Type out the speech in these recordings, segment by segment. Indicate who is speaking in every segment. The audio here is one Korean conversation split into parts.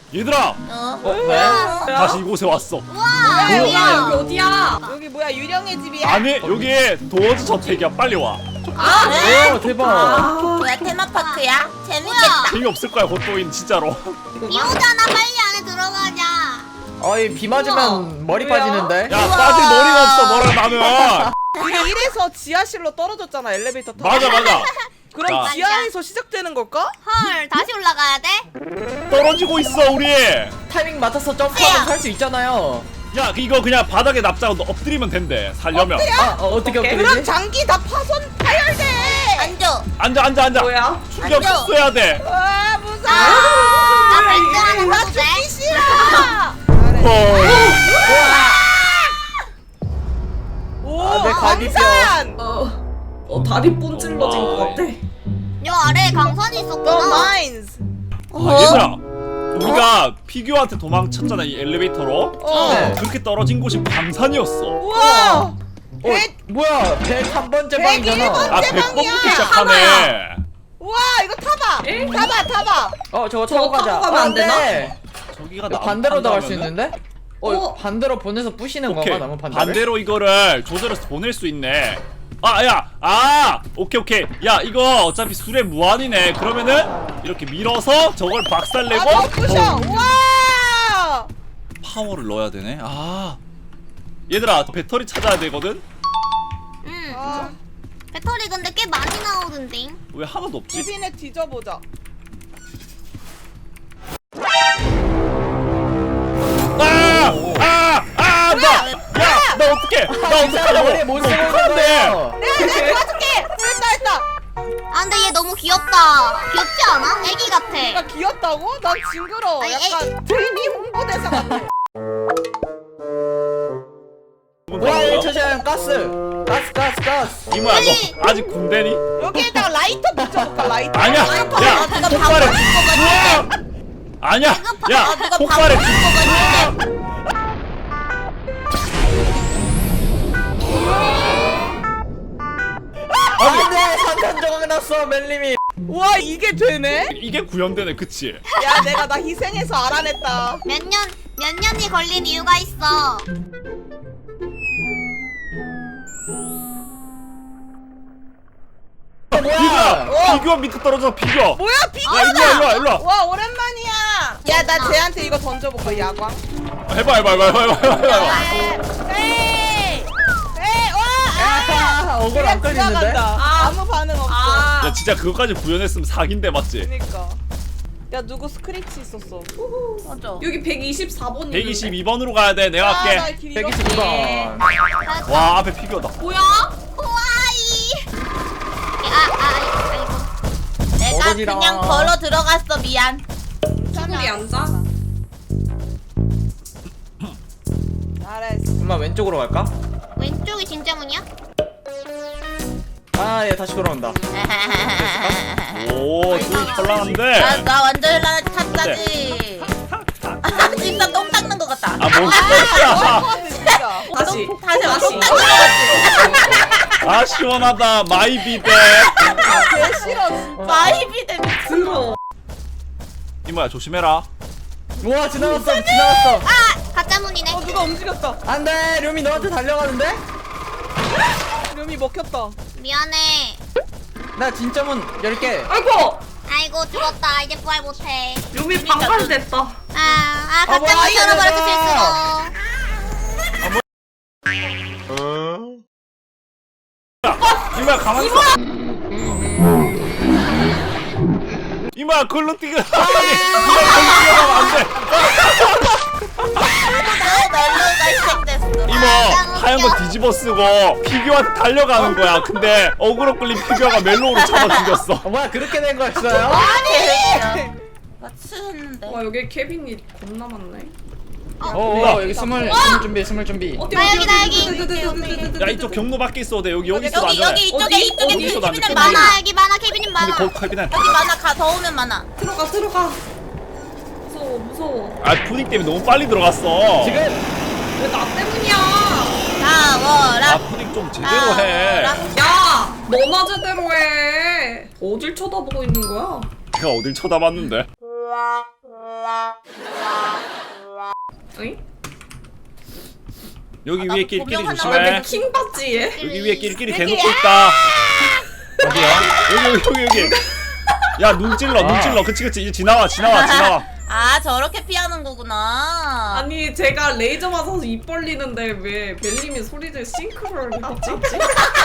Speaker 1: 얘들아
Speaker 2: 왜?
Speaker 1: 다시 이곳에 왔어.
Speaker 3: 뭐야 여기 어디야?
Speaker 2: 여기 뭐야 유령의 집이야?
Speaker 1: 아니 여기 도어즈 저택이야. 빨리 와.
Speaker 4: 오 대박.
Speaker 3: 뭐야 테마파크야? 재밌겠다.
Speaker 1: 재미없을 거야 고토인 진짜로.
Speaker 3: 비 오잖아 빨리 안에 들어가자.
Speaker 4: 어이 비 맞으면 머리
Speaker 2: 왜요?
Speaker 4: 빠지는데.
Speaker 1: 야 빠질 머리가 없어 너랑 나는.
Speaker 2: 이게 이래서 지하실로 떨어졌잖아 엘리베이터 타고.
Speaker 1: 맞아.
Speaker 2: 그럼
Speaker 1: 자.
Speaker 2: 지하에서 시작되는 걸까?
Speaker 3: 헐 다시 올라가야 돼?
Speaker 1: 떨어지고 있어 우리.
Speaker 4: 타이밍 맞춰서 점프하면 살 수 있잖아요.
Speaker 1: 야 이거 그냥 바닥에 납작하고 너 엎드리면 된대. 살려면.
Speaker 4: 어떻게
Speaker 2: 그럼
Speaker 4: 엎드리지?
Speaker 2: 장기 다 파열돼.
Speaker 3: 앉아.
Speaker 1: 앉아.
Speaker 2: 뭐야?
Speaker 1: 충격
Speaker 3: 앉아.
Speaker 1: 흡수해야 돼.
Speaker 2: 와 무서워.
Speaker 3: 나 발등하는
Speaker 2: 나
Speaker 3: 거도 돼?
Speaker 2: 죽기 싫어. 오
Speaker 4: 내 갈비뼈.
Speaker 2: 광산.
Speaker 5: 다리 뿜질러진 것 같아.
Speaker 3: 요 아래에 강선이
Speaker 2: The
Speaker 3: 있었구나.
Speaker 2: mines.
Speaker 1: 얘들아 우리가 피규어한테 도망쳤잖아 이 엘리베이터로.
Speaker 2: 어.
Speaker 1: 그렇게 떨어진 곳이 광산이었어.
Speaker 2: 우와.
Speaker 4: 뭐야 103번째 방이잖아.
Speaker 2: 101번.
Speaker 1: 아
Speaker 2: 대박이야.
Speaker 1: 100번부터 시작하네.
Speaker 2: 우와 이거 타봐. 타봐.
Speaker 4: 저거 타고
Speaker 5: 저거
Speaker 4: 가자.
Speaker 5: 타고 가면 안 되나?
Speaker 4: 네.
Speaker 1: 저기가
Speaker 4: 반대로도 갈 수
Speaker 1: 나무
Speaker 4: 있는데? 반대로 보내서 부시는
Speaker 1: 오케이
Speaker 4: 건가? 나무 반대로?
Speaker 1: 반대로 이거를 조절해서 보낼 수 있네. 오케이 야 이거 어차피 수레 무한이네. 그러면은 이렇게 밀어서 저걸 박살내고
Speaker 2: 아 부셔. 우와.
Speaker 1: 파워를 넣어야 되네. 얘들아 배터리 찾아야 되거든.
Speaker 3: 응.
Speaker 2: 아,
Speaker 3: 배터리 근데 꽤 많이 나오던데.
Speaker 1: 왜 하나도 없지?
Speaker 2: 집인에 뒤져보자.
Speaker 1: 나 어떡해? 나 어떡하냐고?
Speaker 4: 머리에 못 쓰고 있는
Speaker 1: 어떡한데?
Speaker 4: 거예요.
Speaker 2: 내가 도와줄게. 했다.
Speaker 3: 아 근데 얘 너무 귀엽다. 귀엽지 않아? 애기 같아.
Speaker 2: 내가 귀엽다고? 난 징그러워.
Speaker 3: 아니,
Speaker 2: 약간 트리비 홍보대사 같아.
Speaker 4: 뭐야 저시한 가스.
Speaker 1: 이모야 너 아직 군대니?
Speaker 2: 여기에다가 라이터 붙여볼까 라이터.
Speaker 1: 아니야.
Speaker 2: 라이터.
Speaker 1: 야
Speaker 3: 누가
Speaker 1: 폭발해.
Speaker 3: 방울 거 같은데.
Speaker 1: 아니야. 야
Speaker 3: 누가
Speaker 1: 폭발해.
Speaker 3: 방울 거 같은데.
Speaker 4: 안돼 산산 조각 났어 멜님이.
Speaker 2: 우와 이게 되네?
Speaker 1: 이게 구현되네, 그치?
Speaker 2: 야 내가 나 희생해서 알아냈다.
Speaker 3: 몇 년이 걸린 이유가 있어.
Speaker 1: 피규어! 피규어 밑에 떨어져, 피규어!
Speaker 2: 뭐야
Speaker 1: 야,
Speaker 2: 비교다.
Speaker 1: 일로 와.
Speaker 2: 와 오랜만이야. 야 나 쟤한테 이거 던져볼까 야광.
Speaker 1: 해봐.
Speaker 2: 에이 와.
Speaker 4: 억울 안 끌리는데?
Speaker 2: 지나간다. 아무 반응 없어.
Speaker 1: 야, 진짜 그거까지 구현했으면 사기인데, 맞지?
Speaker 2: 그니까. 야 누구 스크래치 있었어.
Speaker 3: 맞아.
Speaker 5: 여기 124번
Speaker 1: 122번으로 가야 돼, 내가
Speaker 2: 나
Speaker 1: 할게.
Speaker 2: 길
Speaker 4: 122번.
Speaker 1: 와, 앞에 피규어다.
Speaker 5: 뭐야?
Speaker 3: 호와이. 아이고. 내가
Speaker 4: 멀어지라.
Speaker 3: 그냥 걸어 들어갔어. 미안.
Speaker 5: 우리 앉아.
Speaker 2: 잘했어.
Speaker 4: 엄마 왼쪽으로 갈까?
Speaker 3: 왼쪽이 진짜 문이야?
Speaker 4: 얘 다시 돌아온다.
Speaker 1: 오, 둘이 현란한데?
Speaker 3: 나 완전 현란한 탑까지. 진짜 똥 닦는 것 같다.
Speaker 1: 뭔 소리야.
Speaker 2: 진짜.
Speaker 5: 다시.
Speaker 3: 다시
Speaker 5: 다시.
Speaker 3: 똥 닦는 것 같지.
Speaker 1: 시원하다, 마이 비데.
Speaker 2: 개 싫어.
Speaker 3: 마이비데.
Speaker 5: 들어.
Speaker 1: 이모야, 조심해라.
Speaker 4: 우와 지나갔어.
Speaker 3: 가짜 문이네.
Speaker 2: 누가 움직였다.
Speaker 4: 안돼 룸이 너한테 달려가는데?
Speaker 2: 룸이 먹혔다.
Speaker 3: 미안해.
Speaker 4: 나 진짜 문 열게.
Speaker 5: 아이고.
Speaker 3: 아이고 죽었다. 이제 부활 못해.
Speaker 5: 유미 방관됐다.
Speaker 3: 가짜
Speaker 2: 뭐야,
Speaker 3: 문 열어버렸어
Speaker 4: 얘들아.
Speaker 3: 실수로.
Speaker 1: 이모야, 가만히 있어. 이모야, 글로 뛰겨. 아니, 이모야, 글로 뛰어가면 안 돼.
Speaker 3: 나의 멜로가 시작됐어.
Speaker 1: 이모, 하얀 거 뒤집어 쓰고 피규어한테 달려가는 거야. 근데 어그로 끌린 피규어가 멜로우로 잡아 죽였어.
Speaker 4: 뭐야 그렇게 된 거였어요?
Speaker 3: 맞추했는데.
Speaker 5: 와 여기 케빈이 겁나 많네.
Speaker 4: 여기 스물 준비.
Speaker 5: 어디
Speaker 3: 여기다, 여기.
Speaker 1: 야, 이쪽 경로 밖에 있어도 돼. 여기 있어도
Speaker 3: 여기
Speaker 1: 안전해.
Speaker 3: 이쪽에
Speaker 1: 어디 있어도 안 돼.
Speaker 3: 케빈은 많아. 여기 많아. 케빈은
Speaker 1: 근데
Speaker 3: 많아.
Speaker 1: 거기 칼빈한.
Speaker 3: 여기 많아. 더 오면 많아.
Speaker 5: 들어가. 무서워.
Speaker 1: 아, 푸딩 때문에 너무 빨리 들어갔어.
Speaker 4: 지금
Speaker 5: 왜 나 때문이야?
Speaker 3: 나워라.
Speaker 1: 아, 푸딩 좀 제대로 해.
Speaker 5: 야, 너나 제대로 해. 어딜 쳐다보고 있는 거야?
Speaker 1: 내가 어딜 쳐다봤는데.
Speaker 5: 어이?
Speaker 1: 여기
Speaker 3: 아,
Speaker 1: 위에
Speaker 3: 나도
Speaker 1: 끼리끼리
Speaker 3: 조명
Speaker 1: 조심해.
Speaker 3: 하나
Speaker 5: 킹 받지에?
Speaker 1: 여기 위에 끼리끼리 대놓고 있다. 어디야? 여기. 야, 눈 찔러. 그치. 이제 지나와.
Speaker 3: 아 저렇게 피하는 거구나.
Speaker 5: 아니 제가 레이저 맞아서 입 벌리는데 왜 멜님이 소리를 싱크로를 찍지?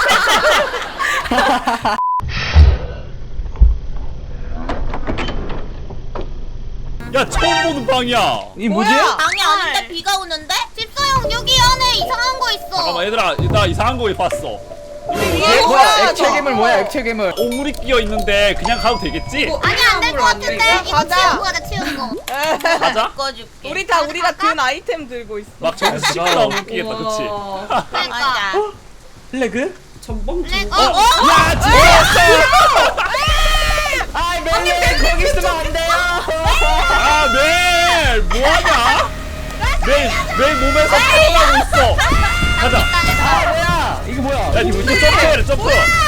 Speaker 1: 야, 처음 보는 방이야.
Speaker 4: 이 뭐지?
Speaker 2: 뭐야?
Speaker 3: 방이 아닌데 비가 오는데? 집사형 여기 안에 이상한 거 있어.
Speaker 1: 잠깐만, 얘들아. 나 이상한 거 봤어.
Speaker 2: 이게
Speaker 4: 뭐야? 액체 괴물 뭐야? 액체 괴물.
Speaker 1: 오물이 끼어 있는데 그냥 가도 되겠지?
Speaker 3: 아니 안 될 것 같은데. 이거
Speaker 2: 가자.
Speaker 3: 치우고 가자 치우는 거.
Speaker 1: 가자.
Speaker 3: 바꿔줄게.
Speaker 2: 우리가 든 아이템 들고 있어.
Speaker 1: 막 저기 씹다 오물 끼겠다, 그치?
Speaker 5: 우와.
Speaker 3: 맞아.
Speaker 4: 레그?
Speaker 5: 전범
Speaker 3: 렉.
Speaker 5: 중.
Speaker 1: 야, 지웠어!
Speaker 4: 아, 멜님 거기 있으면 안 돼요.
Speaker 1: 아, 멜! 뭐하냐? 멜 몸에서 태어나고 있어. 가자.
Speaker 4: 아, 뭐야? 이게 뭐야?
Speaker 1: 야, 니뭐 점프해, 점프.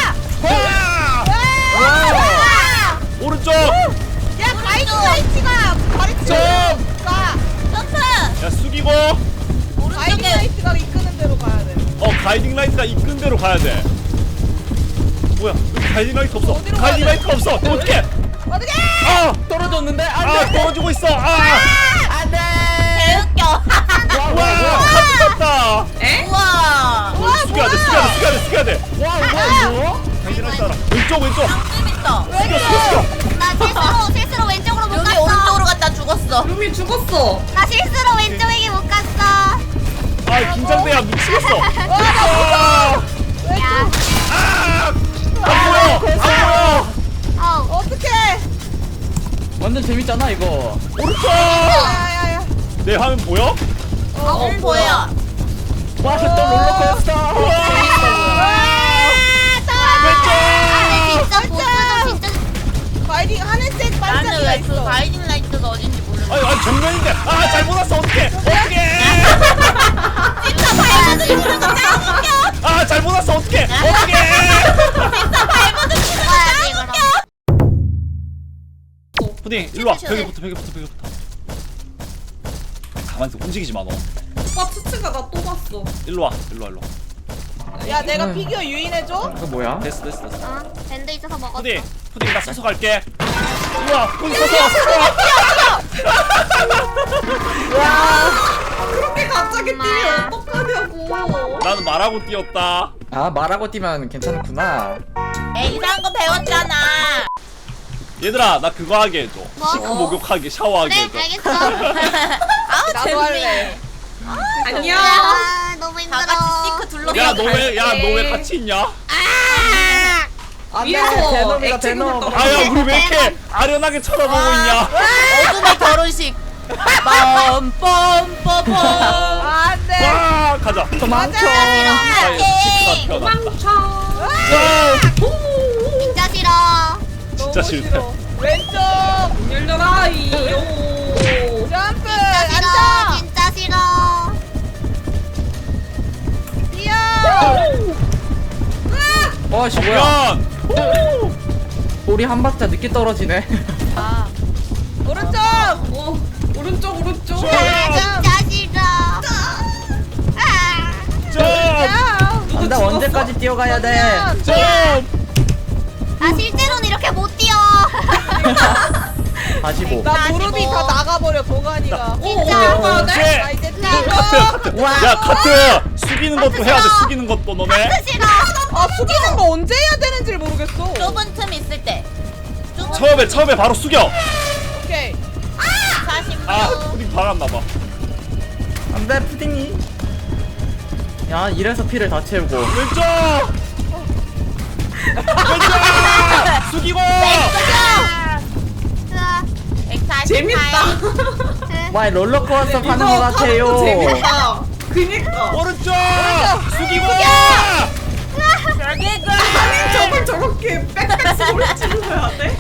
Speaker 1: 와! 오른쪽.
Speaker 2: 야 가이드라이트가 가르쳐. 가.
Speaker 3: 점프.
Speaker 1: 야, 숙이고.
Speaker 3: 오른쪽에.
Speaker 2: 가이드라이트가 이끄는 대로 가야 돼.
Speaker 1: 가이딩 라이트가 이끈 대로 가야 돼. 뭐야? 여기 가이딩 라이트 없어.
Speaker 2: 어디로
Speaker 1: 가이딩
Speaker 2: 가야
Speaker 1: 라이트가 없어. 어떡해?
Speaker 2: 어떻게?
Speaker 1: 아!
Speaker 4: 떨어졌는데 안
Speaker 1: 아,
Speaker 4: 돼.
Speaker 1: 떨어지고 있어. 아!
Speaker 4: 안 돼.
Speaker 3: 개웃겨.
Speaker 1: 와, 카트 탔다.
Speaker 5: 에?
Speaker 3: 우와.
Speaker 1: 숙여야 돼.
Speaker 4: 와, 이거?
Speaker 1: 가이딩 라이트 알아. 왼쪽.
Speaker 3: 좀 있다.
Speaker 1: 숙여.
Speaker 3: 나 실수로 왼쪽으로 못 갔어. 여기 오른쪽으로 갔다 죽었어.
Speaker 5: 루미 죽었어.
Speaker 3: 나 실수로 왼쪽에게 못 갔어.
Speaker 1: 아, 긴장돼야 미치겠어.
Speaker 3: 야.
Speaker 1: 안 보여.
Speaker 2: 어떻게?
Speaker 4: 완전 재밌잖아 이거.
Speaker 1: 오른쪽.
Speaker 2: 야야야.
Speaker 1: 내 화면 보여?
Speaker 3: 보여.
Speaker 4: 와, 또 롤러코스터.
Speaker 3: 진짜 보스도 진짜.
Speaker 2: 가이딩 하늘색
Speaker 3: 나는
Speaker 2: 반짝이가
Speaker 3: 왜 그
Speaker 2: 있어.
Speaker 3: 가이딩 라이트가 어딘지 모르겠어.
Speaker 1: 아니, 정면인데. 아, 잘못 왔어. 어떡해.
Speaker 3: 진짜 밟아도 죽는 거 짱 웃겨.
Speaker 1: 아, 잘못 왔어. 어떡해.
Speaker 3: 진짜 밟아도 죽는 거 짱 웃겨.
Speaker 1: 푸딩, 일로 와. 벽에부터. 가만히 있어. 움직이지 마, 너.
Speaker 5: 오빠 추츠가 나 또 봤어.
Speaker 1: 일로 와.
Speaker 2: 야 내가 피규어 유인해줘.
Speaker 4: 이거 뭐야?
Speaker 1: 됐어.
Speaker 3: 밴드 있어서 먹었어.
Speaker 1: 푸딩, 나 서서 갈게. 우와, 푸딩 서서.
Speaker 5: 그렇게 갑자기 뛰면 어떡하냐고.
Speaker 1: 나는 말하고 뛰었다.
Speaker 4: 아, 말하고 뛰면 괜찮구나.
Speaker 3: 에이, 이상한 거 배웠잖아.
Speaker 1: 얘들아, 나 그거 하게 해줘.
Speaker 3: 뭐?
Speaker 1: 시크 목욕하게, 샤워하게
Speaker 3: 네,
Speaker 1: 해줘.
Speaker 3: 알겠어. 아우,
Speaker 2: 나도 할래.
Speaker 5: 안녕.
Speaker 3: 아, 너무 힘들어. 다 같이 시크 둘러서.
Speaker 1: 야, 너 왜 같이 있냐?
Speaker 4: 안 돼.
Speaker 5: 위에서
Speaker 4: 대놈이다,
Speaker 5: 액체
Speaker 4: 대놈.
Speaker 5: 괴물
Speaker 1: 아야, 우리 왜 이렇게 아련하게 쳐다보고 있냐?
Speaker 3: 어둠의 결혼식. 빰빰빰빰.
Speaker 2: 안돼.
Speaker 1: 와, 가자.
Speaker 4: 도망쳐.
Speaker 1: 아예 시크가 태어났다.
Speaker 5: 도망쳐.
Speaker 3: 진짜 싫어.
Speaker 1: 진짜 싫대.
Speaker 2: 왼쪽.
Speaker 5: 열려라 이요.
Speaker 2: 점프.
Speaker 3: 진짜 싫어.
Speaker 2: 앉아.
Speaker 3: 진짜 싫어.
Speaker 2: 뛰어.
Speaker 4: 와, 씨 뭐야?
Speaker 1: 면
Speaker 4: 우리 한 박자 늦게 떨어지네.
Speaker 2: 오른쪽.
Speaker 5: 오른쪽.
Speaker 1: 점!
Speaker 3: 진짜 싫어. 아.
Speaker 1: 점!
Speaker 4: 나 언제까지 뛰어가야 돼?
Speaker 1: 점!
Speaker 3: 나 실제로는 이렇게 못 뛰어.
Speaker 4: 45.
Speaker 2: 나 무릎이 다 나가버려 도가니가.
Speaker 5: 어디로 가야 돼?
Speaker 2: 나 이제 뛰어.
Speaker 1: 카트! 야, 카트! 숙이는 것도 해야 돼, 숙이는 것도, 너네.
Speaker 3: 싫어.
Speaker 2: 아 숙이는 거 언제 해야 되는지 모르겠어.
Speaker 3: 좁은 틈 있을 때.
Speaker 1: 처음에 바로 숙여!
Speaker 2: 오케이.
Speaker 3: 40분.
Speaker 1: 아, 푸딩 박았나봐.
Speaker 4: 안 돼, 푸딩이. 야, 이래서 피를 다 채우고.
Speaker 1: 왼쪽! 숙이고!
Speaker 5: 재밌다.
Speaker 4: 와, 롤러코스터
Speaker 5: 이거
Speaker 4: 파는 것
Speaker 5: 타는
Speaker 4: 같아요.
Speaker 5: 거 재밌다. 그니까.
Speaker 1: 오른쪽! 숙이고!
Speaker 5: 아니 저걸 저렇게 빽빽 소리 질러야 돼?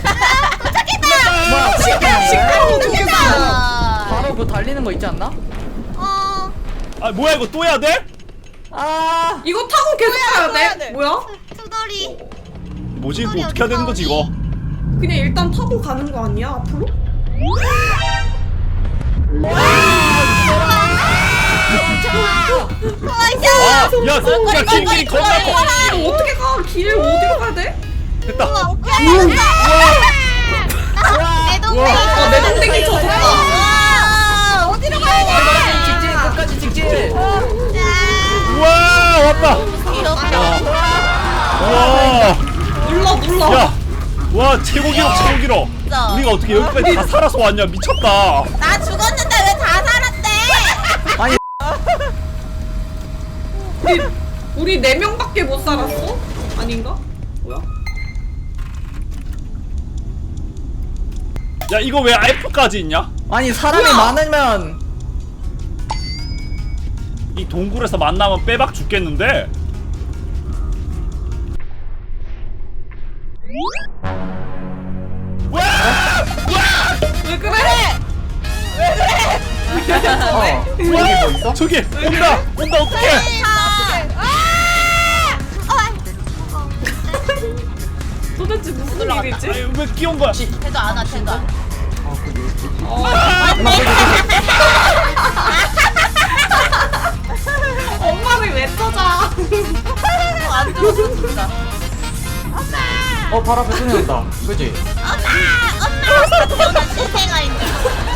Speaker 4: 뭐야,
Speaker 5: 시끄러워 죽겠어.
Speaker 4: 바로 그 달리는 거 있지 않나?
Speaker 1: 아, 뭐야, 이거 또 해야 돼?
Speaker 4: 아,
Speaker 5: 이거 타고 계속
Speaker 2: 해야
Speaker 5: 가야
Speaker 2: 돼.
Speaker 5: 돼? 뭐야?
Speaker 3: 투덜이.
Speaker 1: 뭐지? 이거 어떻게 해야 되는 거지, 이거?
Speaker 5: 그냥 일단 타고 가는 거 아니야 앞으로?
Speaker 2: 와.
Speaker 1: 야 길길이 겁나 커.
Speaker 5: 이거 어떻게 가? 길 어디로 가야 돼?
Speaker 1: 됐다.
Speaker 3: 내 동생이
Speaker 1: 우와.
Speaker 5: 내 동생이 졌다.
Speaker 3: 와, 어디로 가야 돼?
Speaker 4: 직진 끝까지 직진.
Speaker 1: 우와 왔다.
Speaker 3: 귀엽다.
Speaker 1: 우와.
Speaker 5: 눌러.
Speaker 1: 야. 와 최고 기록 최고 기록.
Speaker 3: 진짜.
Speaker 1: 우리가 어떻게 여기까지 다 살아서 왔냐 미쳤다.
Speaker 3: 나 죽었는데 왜 다 살았대?
Speaker 4: 아니
Speaker 5: 우리 4명밖에 못 살았어? 아닌가? 뭐야?
Speaker 1: 야 이거 왜 F까지 있냐?
Speaker 4: 아니 사람이
Speaker 5: 뭐야?
Speaker 4: 많으면
Speaker 1: 이 동굴에서 만나면 빼박 죽겠는데. 와!
Speaker 5: 왜 그래?
Speaker 4: 여기 뭐 있어?
Speaker 1: 저기 온다 어떡해.
Speaker 5: 도대체 무슨 일이지?
Speaker 1: 아니, 왜 끼운 거야?
Speaker 3: 쟤도 안 와, 쟤도 안 와.
Speaker 5: 엄마를 왜 찾아?
Speaker 3: 안 들었어, 진짜.
Speaker 4: 발 앞에 소리 난다. 그지?
Speaker 3: 엄마! 엄마! 태어난 신생아인데.